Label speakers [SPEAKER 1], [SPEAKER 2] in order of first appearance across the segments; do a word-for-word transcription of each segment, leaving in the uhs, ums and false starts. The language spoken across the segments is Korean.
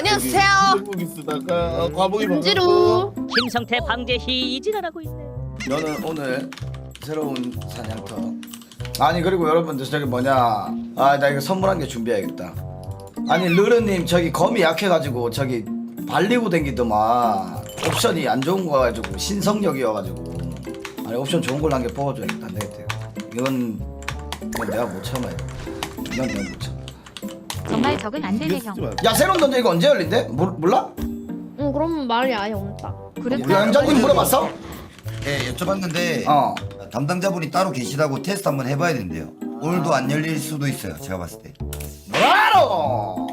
[SPEAKER 1] 안녕하세요.
[SPEAKER 2] 한국이 쓰다가 어, 과목이
[SPEAKER 1] 은지루.
[SPEAKER 3] 김성태 방제희 이진하라고 있네.
[SPEAKER 4] 너는 오늘 새로운 사냥터. 아니 그리고 여러분들 저기 뭐냐, 아 나 이거 선물한 게 준비해야겠다. 아니 르르님 저기 검이 약해가지고 저기 발리고 댕기더만 옵션이 안 좋은 거 가지고 신성력이어가지고, 아니 옵션 좋은 걸로 한 개 뽑아줘야겠다. 안 되겠다. 이건 이건 내가 못 참아요. 이건 내가 못 참아.
[SPEAKER 5] 정말 적응 안 되네 형.
[SPEAKER 4] 야 새로운 던져 이거 언제 열린대? 모, 몰라?
[SPEAKER 1] 응 그럼 말이 아예 없다.
[SPEAKER 5] 그래?
[SPEAKER 4] 양자님 물어봤어?
[SPEAKER 6] 예, 여쭤봤는데
[SPEAKER 4] 어.
[SPEAKER 6] 담당자분이 따로 계시다고 테스트 한번 해봐야 된대요. 오늘도 안 열릴 수도 있어요. 제가 봤을 때.
[SPEAKER 4] 뭐하러?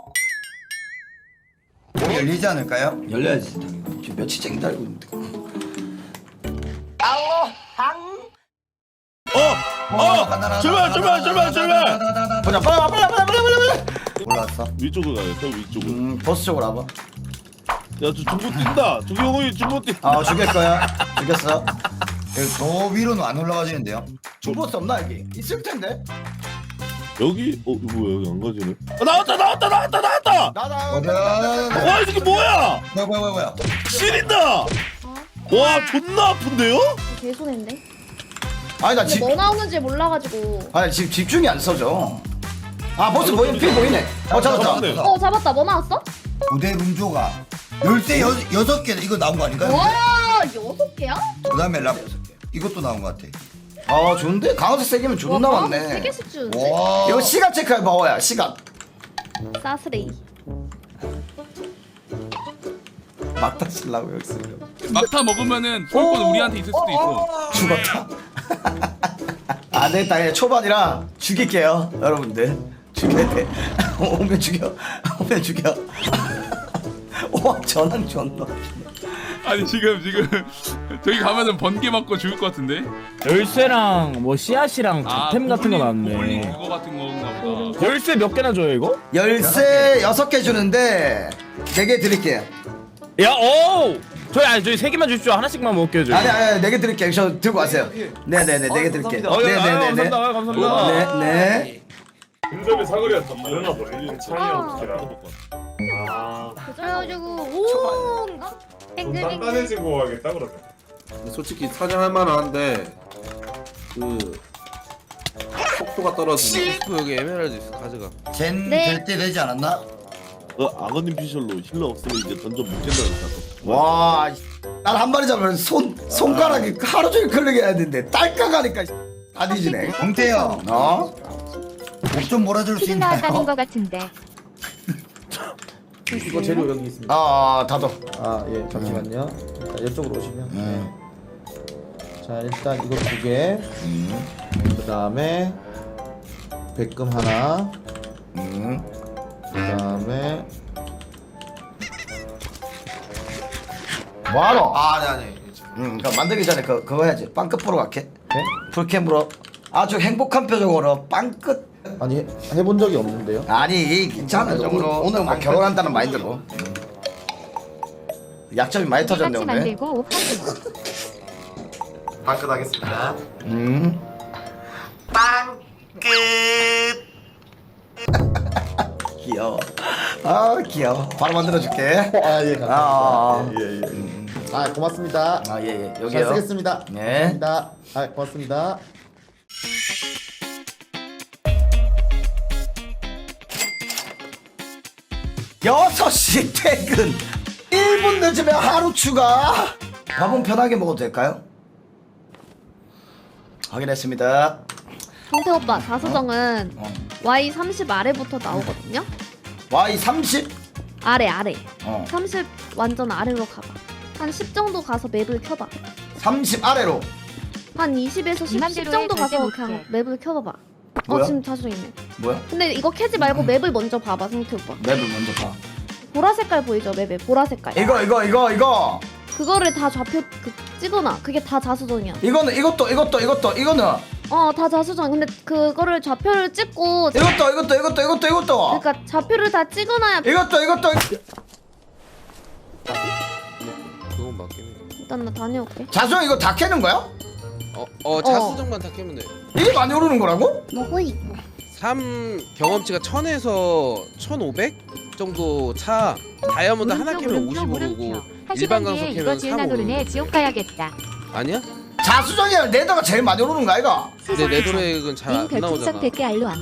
[SPEAKER 6] 오늘 열리지 않을까요?
[SPEAKER 4] 열려야지. 지금 며칠째 기다리고 있는데. 알로 항.
[SPEAKER 2] 어! 어! 출발 출발 출발 출발!
[SPEAKER 4] 보자. 빨리 와, 빨리 와, 빨리 와, 빨리 와, 빨리 와.
[SPEAKER 6] 올라왔어.
[SPEAKER 2] 위쪽으로 가야겠다 위쪽으로.
[SPEAKER 4] 음 버스 쪽으로 와봐.
[SPEAKER 2] 야저 중고 뛴다. 조경호이 중고 뛴.
[SPEAKER 4] 아 죽일 거야. 죽였어.
[SPEAKER 6] 여기 더 위로는 안 올라가지는데요.
[SPEAKER 4] 중버스 없나 여기? 있을 텐데.
[SPEAKER 2] 여기? 어 이거 뭐야 여기 안 가지네. 아, 나왔다 나왔다 나왔다 나왔다.
[SPEAKER 4] 나나.
[SPEAKER 6] 어디야?
[SPEAKER 2] 와 이 새끼 뭐야?
[SPEAKER 6] 뭐야 뭐야 뭐야?
[SPEAKER 2] 시린다. 와 존나 아픈데요?
[SPEAKER 1] 개손인데.
[SPEAKER 4] 아니 나
[SPEAKER 1] 근데
[SPEAKER 4] 집.
[SPEAKER 1] 뭐 나오는지 몰라가지고.
[SPEAKER 4] 아니 지금 집중이 안 서져. 아 버스 보이네. 피 보이네. 어 잡았다.
[SPEAKER 2] 잡았네.
[SPEAKER 1] 어 잡았다. 뭐 나왔어?
[SPEAKER 6] 고대 rum조가 열쇠 여 여섯 개 이거 나온 거 아닌가요?
[SPEAKER 1] 와 여섯 개야?
[SPEAKER 6] 그다음에 랍 이것도 나온 거 같아.
[SPEAKER 4] 아 좋은데? 강화색 세 개면 존나
[SPEAKER 1] 와,
[SPEAKER 4] 많네.
[SPEAKER 1] 세 개씩 주는데.
[SPEAKER 6] 와.
[SPEAKER 4] 이거 시간 체크해 봐봐야 시간.
[SPEAKER 1] 사스레이.
[SPEAKER 4] 막다 쓰려고 여기 쓰려고.
[SPEAKER 7] 막타 먹으면은 소유권 우리한테 있을 수도 있고.
[SPEAKER 4] 죽었다. 안 되겠다. 그냥 초반이라 죽일게요 여러분들. 죽여야 돼. 오면 죽여. 오면 죽여. 와 전환 존나.
[SPEAKER 7] 아니 지금 지금 저기 가면은 번개 맞고 죽을 것 같은데.
[SPEAKER 8] 열쇠랑 뭐 씨앗이랑
[SPEAKER 7] 아,
[SPEAKER 8] 템 같은 거
[SPEAKER 7] 고블린,
[SPEAKER 8] 나왔네.
[SPEAKER 7] 고블린 그거 같은 건가 보다.
[SPEAKER 8] 열쇠 몇 개나 줘요 이거?
[SPEAKER 4] 열쇠 여섯 개 주는데 네 개 드릴게요.
[SPEAKER 8] 야, 오! 저희 아니 저희 세 개만 주십시오. 하나씩만 먹게 해줘요.
[SPEAKER 4] 아니 아니 네 개 드릴게요. 저 들고 가세요. 네네네 네 개 드릴게요.
[SPEAKER 8] 어, 예, 아유,
[SPEAKER 4] 네네네네.
[SPEAKER 8] 감사합니다. 아유, 감사합니다.
[SPEAKER 4] 네네.
[SPEAKER 2] 근접의 사거리가 더 다르나 보네. 차이랑 비랑.
[SPEAKER 1] 그래가지고 오인가?
[SPEAKER 9] 단단해지고 가겠다 그러면.
[SPEAKER 10] 솔직히 사냥할 만한데 그 속도가 떨어지네.
[SPEAKER 9] 여기 에메랄드 있어 가져가.
[SPEAKER 6] 젠
[SPEAKER 1] 네.
[SPEAKER 6] 될 때 되지 않았나?
[SPEAKER 2] 그 악어님 피셜로 힐러 없으면 이제 던전 못 깬다니까.
[SPEAKER 4] 와, 난 한 마리 잡으면 손 손가락이 하루 종일 클릭 해야 되는데 딸깍하니까 다 뒤지네.
[SPEAKER 6] 공태요.
[SPEAKER 4] 어?
[SPEAKER 6] 목 좀 몰아줄 수
[SPEAKER 5] 치킨 나왔다는
[SPEAKER 6] 있나요?
[SPEAKER 5] 거 같은데.
[SPEAKER 10] 이거 재료 여기 있습니다.
[SPEAKER 4] 아, 아 다도.
[SPEAKER 10] 아 예 잠시만요. 일단 이쪽으로 오시면.
[SPEAKER 4] 음.
[SPEAKER 10] 자 일단 이거 두 개. 그 다음에 백금 하나.
[SPEAKER 4] 음.
[SPEAKER 10] 그 다음에
[SPEAKER 4] 뭐하러?
[SPEAKER 6] 아, 네, 아니.
[SPEAKER 4] 음, 그럼 만들기 전에 그 그거 해야지. 빵 끝으로 갈게.
[SPEAKER 10] 네?
[SPEAKER 4] 풀캠으로 아주 행복한 표정으로 빵 끝.
[SPEAKER 10] 아니 해, 해본 적이 없는데요.
[SPEAKER 4] 아니 괜찮아. 오늘 오늘 뭐 결혼한다는 마인드로. 음. 약점이 많이 터졌네
[SPEAKER 5] 같이
[SPEAKER 4] 오늘.
[SPEAKER 5] 만들고 확인.
[SPEAKER 9] 방끝 하겠습니다.
[SPEAKER 4] 음. 귀여워. 아 귀여워. 바로 만들어줄게.
[SPEAKER 10] 아예 감사합니다.
[SPEAKER 4] 아,
[SPEAKER 10] 예, 예. 아 고맙습니다.
[SPEAKER 4] 아 예예.
[SPEAKER 10] 잘
[SPEAKER 4] 여기요.
[SPEAKER 10] 쓰겠습니다.
[SPEAKER 4] 네.
[SPEAKER 10] 감사합니다. 아 고맙습니다.
[SPEAKER 4] 여섯 시 퇴근. 일 분 늦으면 하루 추가. 밥은 편하게 먹어도 될까요? 확인했습니다.
[SPEAKER 1] 성태 오빠 자수정은
[SPEAKER 4] 어.
[SPEAKER 1] 와이 삼십 아래부터 나오거든요.
[SPEAKER 4] 와이 삼십.
[SPEAKER 1] 아래 아래.
[SPEAKER 4] 어.
[SPEAKER 1] 삼십 완전 아래로 가봐. 한 십 정도 가서 맵을 켜봐.
[SPEAKER 4] 삼십 아래로.
[SPEAKER 1] 한 이십에서 십, 십
[SPEAKER 5] 맘대로
[SPEAKER 1] 정도
[SPEAKER 5] 해,
[SPEAKER 1] 가서
[SPEAKER 5] 절대
[SPEAKER 1] 그냥
[SPEAKER 5] 못해.
[SPEAKER 1] 맵을 켜봐봐. 어
[SPEAKER 4] 뭐야?
[SPEAKER 1] 지금 자수정 있네.
[SPEAKER 4] 뭐야?
[SPEAKER 1] 근데 이거 캐지 말고 맵을 먼저 봐봐 성태 오빠.
[SPEAKER 4] 맵을 먼저 봐.
[SPEAKER 1] 보라 색깔 보이죠 맵에 보라 색깔.
[SPEAKER 4] 이거 이거 이거 이거.
[SPEAKER 1] 그거를 다 좌표 그, 찍어놔. 그게 다 자수정이야.
[SPEAKER 4] 이거는 이것도 이것도 이것도 이거는
[SPEAKER 1] 어 다 자수정. 근데 그거를 좌표를 찍고
[SPEAKER 4] 이것도 이것도 이것도 이것도 이것도
[SPEAKER 1] 그러니까 좌표를 다 찍어놔야
[SPEAKER 4] 이것도 이것도
[SPEAKER 9] 그건 맞긴 해.
[SPEAKER 1] 일단 나 다녀올게.
[SPEAKER 4] 자수형 이거 다 캐는 거야?
[SPEAKER 9] 어, 어 자수정만 다 깨면 돼.
[SPEAKER 4] 이게 많이 오르는 거라고?
[SPEAKER 1] 뭐고 이거?
[SPEAKER 9] 삼 경험치가 천에서 천오백? 정도 차 다이아몬드 하나
[SPEAKER 5] 오른쪽
[SPEAKER 9] 캐면
[SPEAKER 5] 오른쪽
[SPEAKER 9] 오십오고
[SPEAKER 5] 오른쪽. 한
[SPEAKER 9] 일반
[SPEAKER 5] 시간
[SPEAKER 9] 강석
[SPEAKER 5] 뒤에
[SPEAKER 9] 캐면
[SPEAKER 5] 이거 지은아 노르네
[SPEAKER 9] 삼십오.
[SPEAKER 5] 지옥 가야겠다.
[SPEAKER 9] 아니야?
[SPEAKER 4] 자수정이랑 레더가 제일 많이 오르는 거 아이가?
[SPEAKER 9] 근데 레드렉은 잘
[SPEAKER 5] 님
[SPEAKER 9] 안
[SPEAKER 5] 별풍선
[SPEAKER 9] 나오잖아.
[SPEAKER 5] 백 개 알로함.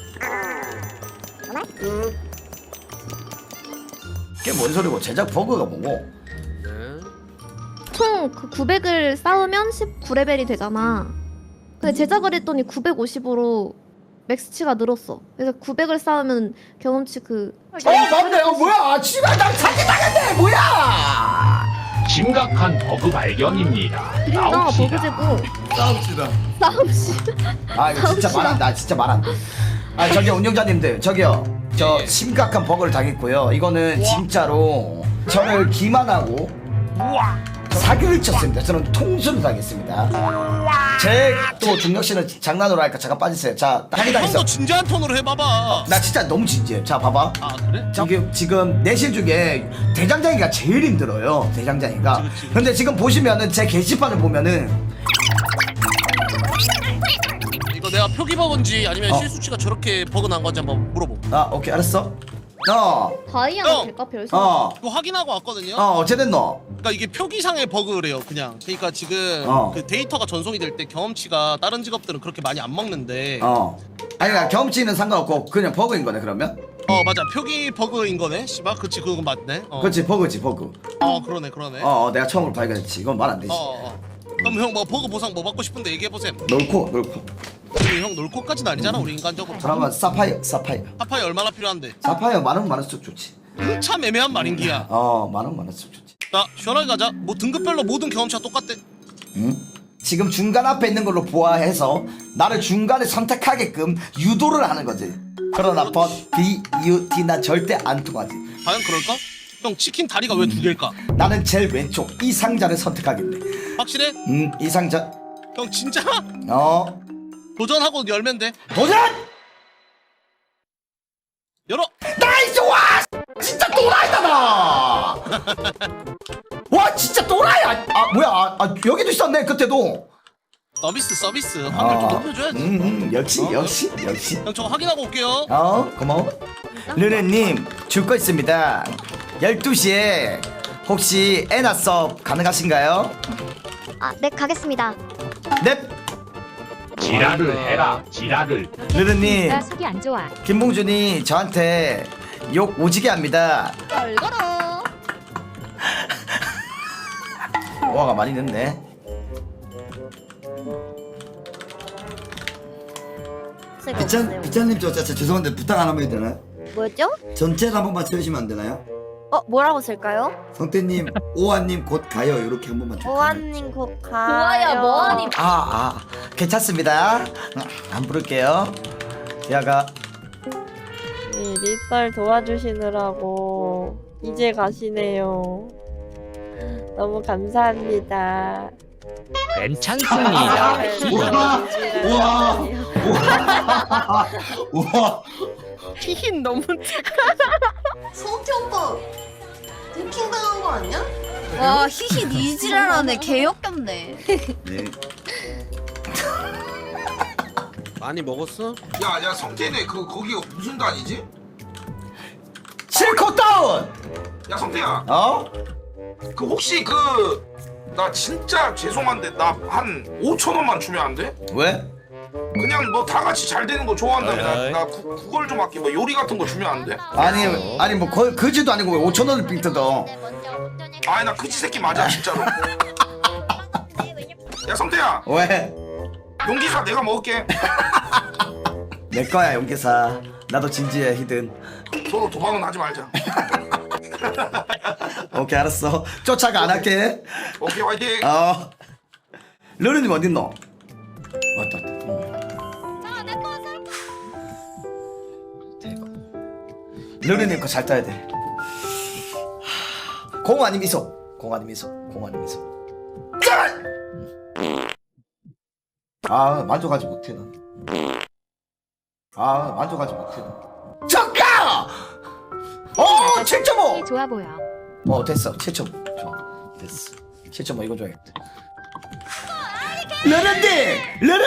[SPEAKER 4] 그게 뭔 소리고 제작 버그가 뭐고?
[SPEAKER 9] 네.
[SPEAKER 1] 총 그 구백을 쌓으면 십구 레벨이 되잖아. 근데 제작을 했더니 구백오십으로 맥스치가 늘었어. 그래서 구백을 쌓으면 경험치 그
[SPEAKER 4] 어 맞네. 어 뭐야? 씨발 나 사기당했네. 뭐야?
[SPEAKER 11] 심각한 버그 발견입니다.
[SPEAKER 1] 그린다
[SPEAKER 11] 나옵시다.
[SPEAKER 1] 버그제고
[SPEAKER 4] 싸웁시다.
[SPEAKER 1] 싸움씨.
[SPEAKER 4] 아 이거 진짜 말 안 돼. 아, 진짜 말 안 돼. 아 저기 운영자님들 저기요. 저 심각한 버그를 당했고요. 이거는 진짜로 저를 기만하고 사기를 쳤습니다. 저는 통수를 당했습니다. 제 또 중력 씨는 장난으로 하니까 잠깐 빠지세요. 자, 사기 당했어.
[SPEAKER 8] 진지한 톤으로 해봐봐.
[SPEAKER 4] 나 진짜 너무 진지해. 자, 봐봐.
[SPEAKER 8] 아 그래?
[SPEAKER 4] 지금 지금 내실 중에 대장장이가 제일 힘들어요. 대장장이가.
[SPEAKER 8] 그치, 그치.
[SPEAKER 4] 근데 지금 보시면은 제 게시판을 보면은
[SPEAKER 8] 이거 내가 표기 버그인지 아니면
[SPEAKER 4] 어.
[SPEAKER 8] 실수치가 저렇게 버그 난 건지 한번 물어보.
[SPEAKER 4] 아 오케이 알았어. 어,
[SPEAKER 1] 다이아가
[SPEAKER 8] 형!
[SPEAKER 1] 될까 별수?
[SPEAKER 4] 어,
[SPEAKER 8] 이거 확인하고 왔거든요.
[SPEAKER 4] 어 어쨌든 너.
[SPEAKER 8] 그러니까 이게 표기상의 버그래요, 그냥. 그러니까 지금
[SPEAKER 4] 어.
[SPEAKER 8] 그 데이터가 전송이 될 때 경험치가 다른 직업들은 그렇게 많이 안 먹는데. 어,
[SPEAKER 4] 어. 아니 그러니까 경험치는 상관없고 그냥 버그인 거네 그러면.
[SPEAKER 8] 맞아, 표기 버그인 거네. 씨발, 그치, 그건 맞네. 어.
[SPEAKER 4] 그렇지 버그지 버그.
[SPEAKER 8] 어, 그러네, 그러네.
[SPEAKER 4] 어, 어 내가 처음으로 발견했지. 이건 말 안 되지.
[SPEAKER 8] 어, 어, 어. 그럼 형 뭐 버그 보상 뭐 받고 싶은데 얘기해 보세요.
[SPEAKER 4] 놀코 놀코.
[SPEAKER 8] 우리 형 놀코까지는 아니잖아, 우리 인간적으로.
[SPEAKER 4] 그러면 사파이어 사파이어.
[SPEAKER 8] 하파이 얼마나 필요한데?
[SPEAKER 4] 사파이어 많으면 많을수록 좋지.
[SPEAKER 8] 참 애매한 말인 기야.
[SPEAKER 4] 어 많으면 많을수록 좋지.
[SPEAKER 8] 자, 시원하게 가자. 뭐 등급별로 모든 경험치가 똑같대.
[SPEAKER 4] 응? 지금 중간 앞에 있는 걸로 보아해서 나를 중간에 선택하게끔 유도를 하는 거지. 그러나 번 B, U, D 난 절대 안 통하지.
[SPEAKER 8] 과연 그럴까? 형 치킨 다리가 왜 두 개일까?
[SPEAKER 4] 나는 제일 왼쪽 이 상자를 선택하겠네.
[SPEAKER 8] 확실해?
[SPEAKER 4] 음, 이 상자.
[SPEAKER 8] 형 진짜?
[SPEAKER 4] 어,
[SPEAKER 8] 도전하고 열면 돼.
[SPEAKER 4] 도전!
[SPEAKER 8] 열어.
[SPEAKER 4] 나이스 와! 진짜 또라이다 나! 와 진짜 또라이야! 아 뭐야? 아, 아 여기도 있었네 그때도.
[SPEAKER 8] 서비스 서비스 확률 좀
[SPEAKER 4] 아,
[SPEAKER 8] 높여줘야지.
[SPEAKER 4] 음, 음, 역시
[SPEAKER 8] 어?
[SPEAKER 4] 역시 역시.
[SPEAKER 8] 형 저거 확인하고 올게요.
[SPEAKER 4] 어 고마워. 르네님 줄 거 있습니다. 열두 시에 혹시 에나 수업 가능하신가요?
[SPEAKER 1] 아, 네 가겠습니다.
[SPEAKER 4] 넵.
[SPEAKER 11] 지랄을 해라. 지랄을.
[SPEAKER 4] 르르님
[SPEAKER 5] 나 속이 안 좋아.
[SPEAKER 4] 김봉준이 저한테 욕 오지게 합니다.
[SPEAKER 1] 얼거러.
[SPEAKER 4] 와가 많이 늦네.
[SPEAKER 6] 비찬 비찬님 저 진짜 죄송한데 부탁 하나만 해도 되나요?
[SPEAKER 1] 뭐였죠?
[SPEAKER 6] 전체를 한 번만 쳐주시면 안 되나요?
[SPEAKER 1] 어, 뭐라고 쓸까요?
[SPEAKER 6] 성태님, 오한님 곧 가요 이렇게 한 번만.
[SPEAKER 1] 오한님 곧 가요.
[SPEAKER 12] 좋아요, 뭐하니?
[SPEAKER 4] 아, 아, 괜찮습니다. 안 부를게요. 야가
[SPEAKER 12] 리썰 도와주시느라고 이제 가시네요. 너무 감사합니다.
[SPEAKER 11] 괜찮습니다.
[SPEAKER 6] 우와, 우와.
[SPEAKER 12] 히힌 너무
[SPEAKER 13] 성태 오빠 해킹 당한 거 아니야?
[SPEAKER 12] 와 히히 니지랄하네 개역겹네.
[SPEAKER 6] 네.
[SPEAKER 9] 많이 먹었어?
[SPEAKER 14] 야, 야, 성태네 그 거기가 무슨 단이지?
[SPEAKER 4] 실컷 다운.
[SPEAKER 14] 야, 성태야,
[SPEAKER 4] 어?
[SPEAKER 14] 그 혹시 그 나 진짜 죄송한데 나 한 오천 원만 주면 안 돼?
[SPEAKER 4] 왜?
[SPEAKER 14] 그냥 뭐 다 같이 잘 되는 거 좋아한다며. 나,
[SPEAKER 8] 어이.
[SPEAKER 14] 나 구, 그걸 좀 할게. 뭐 요리 같은 거 주면 안 돼?
[SPEAKER 4] 아니, 아니 뭐 거, 그지도 아니고 왜 오천 원을 빙 뜯어?
[SPEAKER 14] 아니 나 그지 새끼 맞아 진짜로. 야, 성태야,
[SPEAKER 4] 왜?
[SPEAKER 14] 용기사 내가 먹을게.
[SPEAKER 4] 내 거야 용기사. 나도 진지해 히든.
[SPEAKER 14] 서로 도망은 하지 말자.
[SPEAKER 4] 오케이 알았어. 쫓아가 안 할게.
[SPEAKER 14] 오케이, 화이팅.
[SPEAKER 4] 어. 르르님 어딨노? 왔다 왔다. 대박. 르르님 거 잘 따야 돼. 공 아니 미소. 공 아니 미소. 공 아니 미소. 짠! 아 만족하지 못해 난. 아 만족하지 못해 난. 잠깐! 어 칠 점 오!
[SPEAKER 5] 좋아 보여.
[SPEAKER 4] 어 됐어 칠 점 오 좋아 됐어 칠 점 오 이거 줘야겠다. 르르님!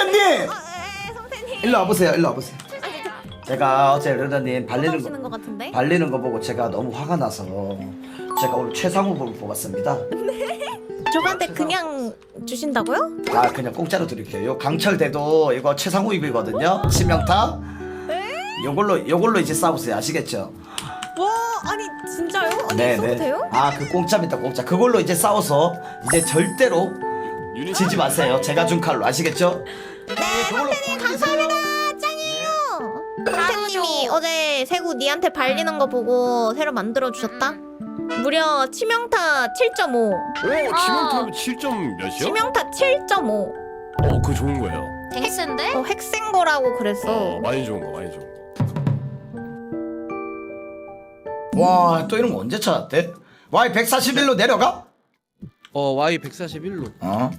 [SPEAKER 4] 르르님! 일로 와보세요 일로 와보세요. 제가 어제 르르님 발리는 거
[SPEAKER 1] 것 같은데?
[SPEAKER 4] 발리는 거 보고 제가 너무 화가 나서 제가 오늘 최상 후보를 뽑았습니다.
[SPEAKER 12] 저한테 그냥 주신다고요?
[SPEAKER 4] 아 그냥 공짜로 드릴게요. 요 강철대도 이거 최상우 입이거든요. 치명타. 요걸로 요걸로 이제 싸우세요. 아시겠죠?
[SPEAKER 12] 와 아니 진짜요? 아니
[SPEAKER 4] 네,
[SPEAKER 12] 써도
[SPEAKER 4] 네.
[SPEAKER 12] 돼요?
[SPEAKER 4] 아 그 공짜입니다. 공짜. 그걸로 이제 싸워서 이제 절대로 지지 마세요. 제가 준 칼로 아시겠죠?
[SPEAKER 12] 네 선생님 감사합니다. 짱이에요. 선생님이 어제 세구 니한테 발리는 거 보고 새로 만들어 주셨다. 무려 치명타 칠 점 오.
[SPEAKER 8] 오 지금 칠 점 몇이요?
[SPEAKER 12] 치명타 칠 점 오.
[SPEAKER 8] 어 그거 좋은 거예요.
[SPEAKER 12] 핵센데? 어 핵센 거라고 그랬어.
[SPEAKER 8] 어 많이 좋은 거 많이 좋은 거.
[SPEAKER 4] 와 또 이런 거 언제 찾았대? 와이 백사십일로 내려가?
[SPEAKER 9] 어 와이 백사십일로.
[SPEAKER 4] 어?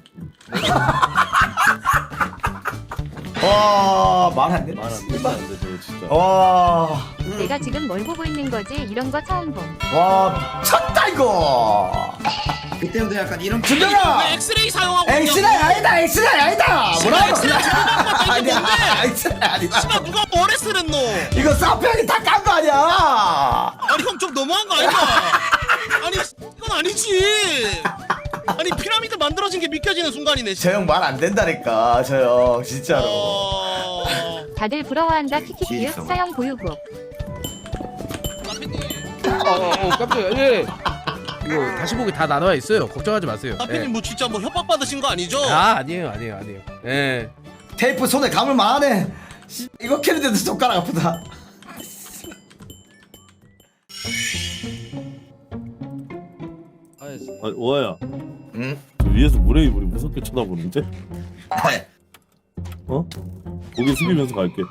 [SPEAKER 4] 와, 말 안 되네.
[SPEAKER 2] 말안 되는데 저거 진짜.
[SPEAKER 4] 와,
[SPEAKER 5] 내가 지금 뭘 보고 있는 거지? 이런 거 처음 봄.
[SPEAKER 4] 와, 미쳤다 이거.
[SPEAKER 6] 그때부터 약간 이런
[SPEAKER 4] 준영아,
[SPEAKER 8] 엑스레이 사용하고
[SPEAKER 4] 엑스레이 아니다, 엑스레이 아니다. 뭐라고?
[SPEAKER 8] 엑스레이
[SPEAKER 4] 아니야, 엑스레이 아니다.
[SPEAKER 8] 누가 뭐래 쓰랬노?
[SPEAKER 4] 이거 사평이 다 깐 거 아니야?
[SPEAKER 8] 아니 형 좀 너무한 거 아니야? 아니 이건 아니지. 아니 피라미드 만들어진 게 믿겨지는 순간이네.
[SPEAKER 4] 저 형 말 안 된다니까, 저 형 진짜로.
[SPEAKER 8] 어...
[SPEAKER 5] 다들 부러워한다 키키키유 사형 보유국.
[SPEAKER 9] 어어 어, 깜짝이야. 예. 이거 다시 보기 다 나눠 있어요. 걱정하지 마세요.
[SPEAKER 8] 아피님 뭐 진짜 뭐 협박 받으신 거 아니죠?
[SPEAKER 9] 아 아니에요 아니에요 아니에요. 예.
[SPEAKER 4] 테이프 손에 감을 만하네. 씨, 이거 캐리는데 손가락 아프다.
[SPEAKER 2] 아, 오아야.
[SPEAKER 6] 응?
[SPEAKER 2] 그 위에서 물에 이불이 무섭게 쳐다보는데? 어? 고개 숙이면서 갈게.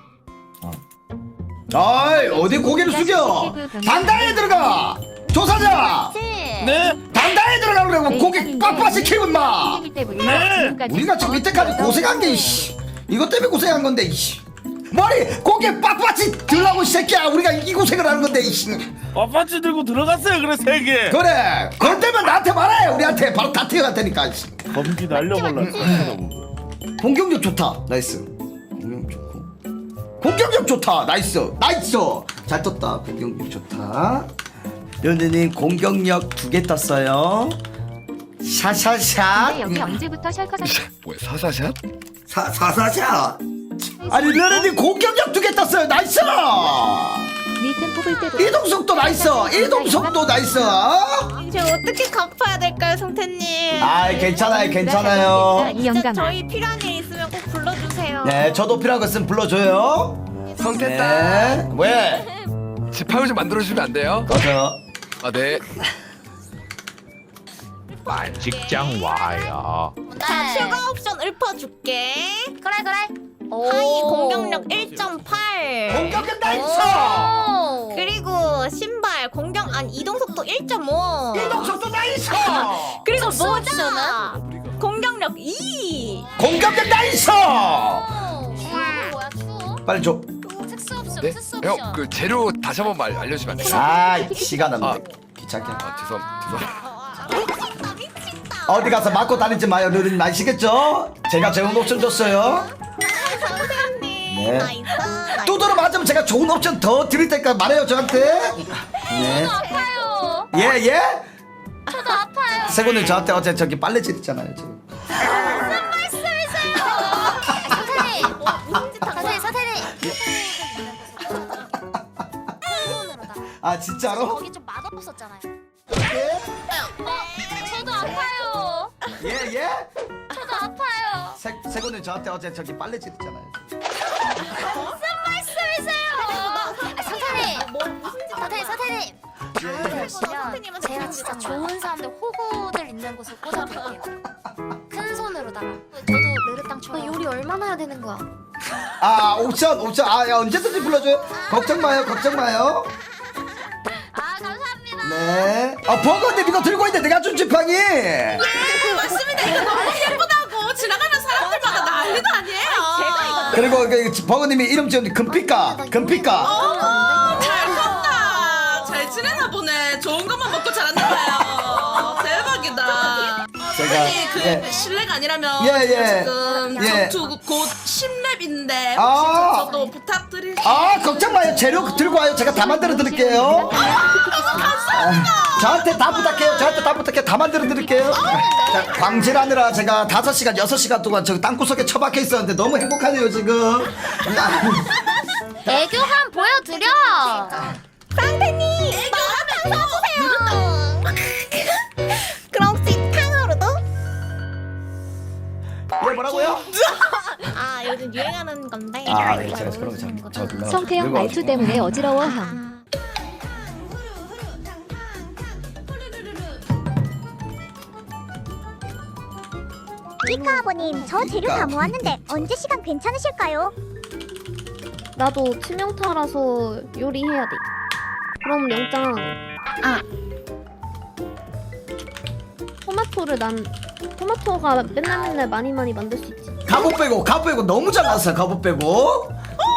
[SPEAKER 4] 아이, 어디 고개를 숙여? 단단히 들어가. 조사자.
[SPEAKER 2] 네?
[SPEAKER 4] 단단히 들어가 그러고 고개 빡빡이 키고 임마.
[SPEAKER 2] 네!
[SPEAKER 4] 우리가 지금 이때까지 고생한 게 이씨. 이것 때문에 고생한 건데 이씨. 머리 고개 빡빡이 들라고 이 새끼야. 우리가 이 고생을 하는 건데 이씨.
[SPEAKER 2] 아파치 들고 들어갔어요. 그래 세 개.
[SPEAKER 4] 그래. 그럴 때면 나한테 말해. 우리한테 바로 다 튀어갈 테니까 이씨.
[SPEAKER 2] 검기 날려볼라.
[SPEAKER 4] 공격력 좋다. 나이스. 공격력 좋고. 공격력 좋다. 나이스. 나이스. 잘 떴다. 공격력 좋다. 연우님 공격력 두 개 떴어요. 샤샤샷.
[SPEAKER 5] 근데 여기 언제부터 셜커서
[SPEAKER 6] 뭐야 사사샷? 사 사사샷.
[SPEAKER 4] 아니 르르님 공격력 두 개 떴어요. 나이스.
[SPEAKER 5] 니템 뽑을 때도
[SPEAKER 4] 이동속도 나이스. 이동속도 나이스.
[SPEAKER 12] 이제 어떻게 갚아야 될까요, 성태님?
[SPEAKER 4] 아 괜찮아요. 괜찮아요.
[SPEAKER 5] 이
[SPEAKER 12] 진짜
[SPEAKER 5] 영감.
[SPEAKER 12] 저희 필요한 일 있으면 꼭 불러주세요.
[SPEAKER 4] 네 저도 필요한 거 있으면 불러줘요.
[SPEAKER 14] 성태다.
[SPEAKER 4] 네. 왜?
[SPEAKER 14] 지팡이 좀 만들어주시면 안 돼요?
[SPEAKER 4] 꺼져.
[SPEAKER 14] 아 네.
[SPEAKER 11] 직장 와야.
[SPEAKER 12] 자, 추가 옵션 읊어줄게.
[SPEAKER 13] 그래 그래.
[SPEAKER 12] 하이 공격력 일 점 팔.
[SPEAKER 4] 공격력 나이스.
[SPEAKER 12] 그리고 신발 공격 아니 이동 속도 일 점 오.
[SPEAKER 4] 이동속도 나이스.
[SPEAKER 12] 그리고 모자 공격력 이.
[SPEAKER 4] 공격력 나이스.
[SPEAKER 13] 추억은 뭐야 추억?
[SPEAKER 4] 빨리 줘.
[SPEAKER 13] 특수 옵션
[SPEAKER 14] 네?
[SPEAKER 13] 특수 옵션.
[SPEAKER 14] 형 그 재료 다시 한 번만 알려주시면 안 돼요?
[SPEAKER 4] 아 시간 안 돼. 귀찮게.
[SPEAKER 14] 아 죄송 죄송.
[SPEAKER 12] 나 미친다.
[SPEAKER 4] 어디 가서 맞고 다니지 마요. 르르님 아시겠죠? 제가 좋은 옵션 줬어요.
[SPEAKER 12] 선생님.
[SPEAKER 4] 네.
[SPEAKER 12] 나이스. 나이스.
[SPEAKER 4] 두드러 맞으면 제가 좋은 옵션 더 드릴 테니까 말해요 저한테. 네.
[SPEAKER 13] 아파요.
[SPEAKER 4] 예 예.
[SPEAKER 13] 저도 아파요.
[SPEAKER 4] 세군님 저한테 어제 저기 빨래질 있잖아요 지금.
[SPEAKER 13] 무슨 말씀이세요? 사태님. 무슨 짓 하세요 사태님.
[SPEAKER 4] 아 진짜로?
[SPEAKER 13] 거기 좀 맛없었잖아요. 어, 저도 아파요.
[SPEAKER 4] 예 예.
[SPEAKER 13] 저도 아파요.
[SPEAKER 4] 세 세군님 저한테 어제 저기 빨래질 있잖아요.
[SPEAKER 13] 무슨 말씀이세요? 아, 사태님. 뭐 무슨 짓 사태님 사태님. 다음에 오시면 제가 진짜 좋은 사람들 호구들 있는 곳을 꽂아드릴게요. 큰 손으로다가. 저도 메르땅처럼 요리 얼마나 해야 되는 거야?
[SPEAKER 4] 아 옵션 옵션 아 야, 언제든지 불러줘요. 걱정 마요 걱정 마요.
[SPEAKER 13] 아 감사합니다.
[SPEAKER 4] 네. 아 버거님 이거 들고 있는데 내가 준 지팡이.
[SPEAKER 12] 예, 맞습니다. 이거 너무 예쁘다고 지나가는 사람들마다 난리도 아니에요. 제가 이거
[SPEAKER 4] 그리고 그 버거님이 이름 지은 금피카 금피카.
[SPEAKER 12] 어, 잘 컸다. 잘 지내나 보네. 좋은 것만 먹고 자랐나 봐요. 대박이다.
[SPEAKER 4] 제가
[SPEAKER 12] 선생님 그
[SPEAKER 4] 예.
[SPEAKER 12] 실례가 아니라면
[SPEAKER 4] 예, 예.
[SPEAKER 12] 지금
[SPEAKER 4] 예.
[SPEAKER 12] 전투 곧 십 렙인데 혹시
[SPEAKER 4] 아.
[SPEAKER 12] 저도 부탁드릴
[SPEAKER 4] 아 걱정 마요. 재료 들고 와요. 제가 다 만들어 드릴게요. 아, 저한테 다 부탁해요. 저한테 다 부탁해요. 다 만들어 드릴게요. 자, 광질하느라 제가 다섯 시간 여섯 시간 동안 저 땅구석에 처박혀 있었는데 너무 행복하네요 지금.
[SPEAKER 13] 애교 한 보여드려.
[SPEAKER 12] 상태님 마라탕 사주세요. 그럼 혹시 탕후루도?
[SPEAKER 4] 네 뭐라고요?
[SPEAKER 12] 아 요즘 유행하는 건데.
[SPEAKER 4] 아 네, 제가 그런 거저 저
[SPEAKER 5] 성태형 말투 때문에 어지러워함.
[SPEAKER 13] 피카 아버님, 저 재료 다 모았는데 언제 시간 괜찮으실까요?
[SPEAKER 1] 나도 치명타라서 요리해야 돼. 그럼 영장.
[SPEAKER 12] 아.
[SPEAKER 1] 토마토를 난 토마토가 맨날 맨날 많이 많이 만들 수 있지.
[SPEAKER 4] 갑옷 빼고 갑옷 빼고 너무 잘 나왔어요. 갑옷 빼고.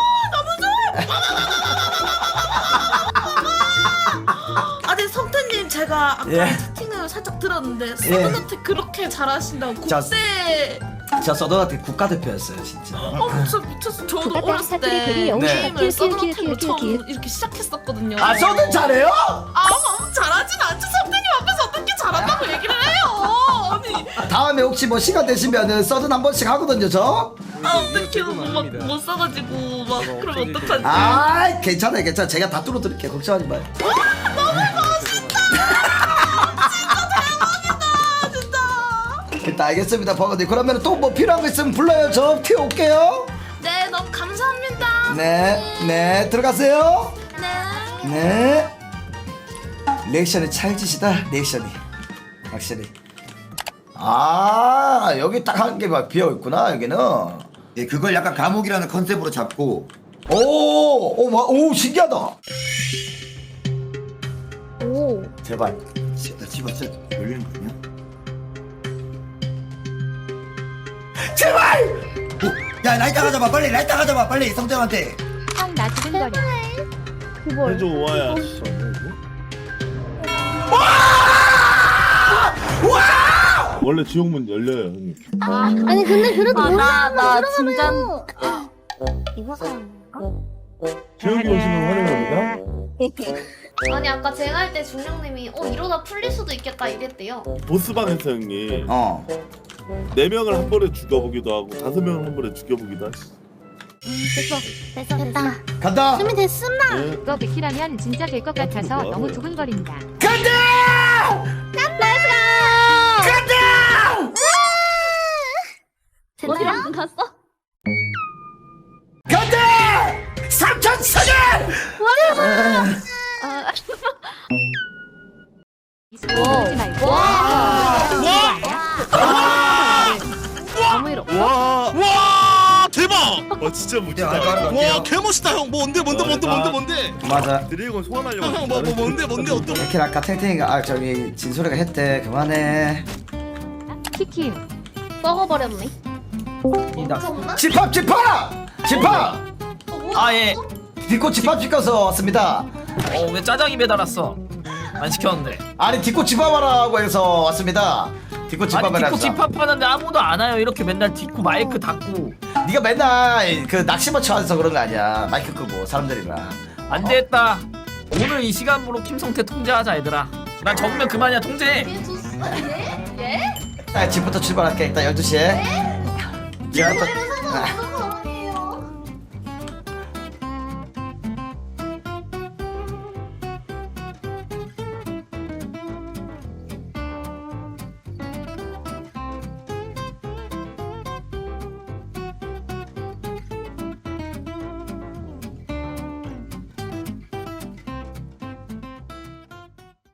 [SPEAKER 12] 아니 성태님 제가 아까
[SPEAKER 4] 예.
[SPEAKER 12] 채팅을 살짝 들었는데
[SPEAKER 4] 예.
[SPEAKER 12] 서든한테 그렇게 잘하신다고
[SPEAKER 4] 자,
[SPEAKER 12] 국대
[SPEAKER 4] 저 서든한테 국가대표였어요 진짜.
[SPEAKER 12] 어 진짜 미쳤어. 저도
[SPEAKER 5] 국가대표
[SPEAKER 12] 어렸을
[SPEAKER 5] 사투리
[SPEAKER 12] 때
[SPEAKER 5] 글이 영웅이다.
[SPEAKER 12] 게임을
[SPEAKER 5] 킬, 킬,
[SPEAKER 12] 서든한테로
[SPEAKER 5] 킬, 킬,
[SPEAKER 12] 처음
[SPEAKER 5] 킬.
[SPEAKER 12] 이렇게 시작했었거든요.
[SPEAKER 4] 아 서든 잘해요?
[SPEAKER 12] 아 너무 잘하진 않죠. 성태님 앞에서 어떻게 잘한다고 얘기를 해요. 아니
[SPEAKER 4] 다음에 혹시 뭐 시간 되시면은 서든 한 번씩 하거든요 저.
[SPEAKER 12] 아 어떡해 막못 써가지고 막 그러면 어떡하지.
[SPEAKER 4] 아 괜찮아요 괜찮아. 제가 다 뚫어드릴게요. 걱정하지 마요. 일단 알겠습니다 버거님. 그러면 또 뭐 필요한 거 있으면 불러요. 저 튀어올게요.
[SPEAKER 12] 네 너무 감사합니다.
[SPEAKER 4] 네, 네 들어가세요.
[SPEAKER 12] 네.
[SPEAKER 4] 네. 리액션이 찰지시다. 리액션이 확실히. 아 여기 딱 한 개 막 비어 있구나 여기는.
[SPEAKER 6] 예, 그걸 약간 감옥이라는 컨셉으로 잡고.
[SPEAKER 4] 오, 오, 와, 오 신기하다.
[SPEAKER 1] 오.
[SPEAKER 4] 제발.
[SPEAKER 6] 나 집어 진짜 열리는 거 아니야?
[SPEAKER 4] 제발.
[SPEAKER 6] 오, 야 라이터 가져봐 빨리 라이터 가져봐 빨리 성태한테.
[SPEAKER 5] 형 나 두근거려.
[SPEAKER 1] 그걸.
[SPEAKER 2] 해줘 와야. 원래 지옥문 열려요 형님.
[SPEAKER 1] 아니 근데 그래도
[SPEAKER 12] 아, 나, 나 진짜
[SPEAKER 13] 이거 사는 거?
[SPEAKER 2] 지옥이 오시면 환영합니다.
[SPEAKER 1] 아니 아까 제가 할 때 중령님이 어 이러다 풀릴 수도 있겠다 이랬대요.
[SPEAKER 2] 보스방에서 형님
[SPEAKER 4] 어.
[SPEAKER 2] 네 명을 한 번에 죽여보기도 하고 다섯 명을 한 번에 죽여보기도 하시.
[SPEAKER 13] 됐어. 됐어, 됐다.
[SPEAKER 4] 간다.
[SPEAKER 13] 준비됐습니다.
[SPEAKER 2] 네.
[SPEAKER 5] 이거 백키라면 진짜 될 것 같아서
[SPEAKER 2] 뭐하는
[SPEAKER 5] 너무
[SPEAKER 2] 거야?
[SPEAKER 5] 두근거린다.
[SPEAKER 4] 간다. 간다.
[SPEAKER 1] 어디로 안 갔어?
[SPEAKER 4] 간다. 삼천 사년.
[SPEAKER 1] 아.
[SPEAKER 5] 이스포츠 말고.
[SPEAKER 1] 아무 일 없어.
[SPEAKER 2] 와,
[SPEAKER 8] 와 대박.
[SPEAKER 2] 와 진짜
[SPEAKER 6] 내가
[SPEAKER 2] 멋지다.
[SPEAKER 6] 알바 할게요.
[SPEAKER 8] 와 개멋있다 형. 뭐 뭔데 뭔데 뭔데 뭔데 뭔데.
[SPEAKER 4] 맞아.
[SPEAKER 2] 드래곤 소환하려고.
[SPEAKER 8] 형 뭐 뭐 뭔데 뭔데 어떤.
[SPEAKER 4] 이렇게 아까 탱탱이가 아 저기 진소리가 했대. 그만해.
[SPEAKER 5] 키키.
[SPEAKER 1] 썩어버렸네.
[SPEAKER 4] 집합 집합 집합.
[SPEAKER 9] 아 예.
[SPEAKER 4] 디코 집합 시켜서 왔습니다.
[SPEAKER 9] 어 왜 짜장이 배달왔어? 안 시켰는데.
[SPEAKER 4] 아니 디코 집합하라고 해서 왔습니다. 디코
[SPEAKER 9] 아니
[SPEAKER 4] 집합을
[SPEAKER 9] 디코
[SPEAKER 4] 해서.
[SPEAKER 9] 집합하는데 아무도 안 와요. 이렇게 맨날 디코 마이크 닫고.
[SPEAKER 4] 네가 맨날 그 낚시만 쳐서 그런 거 아니야. 마이크 끄고 사람들이랑.
[SPEAKER 9] 안 됐다. 오늘 이 시간으로 김성태 통제하자 얘들아. 난 적으면 그만이야 통제.
[SPEAKER 1] 예? 예?
[SPEAKER 4] 아, 집부터 출발할게. 일단 열두 시에.
[SPEAKER 1] 네?
[SPEAKER 4] 제가 또
[SPEAKER 1] 노래를 사서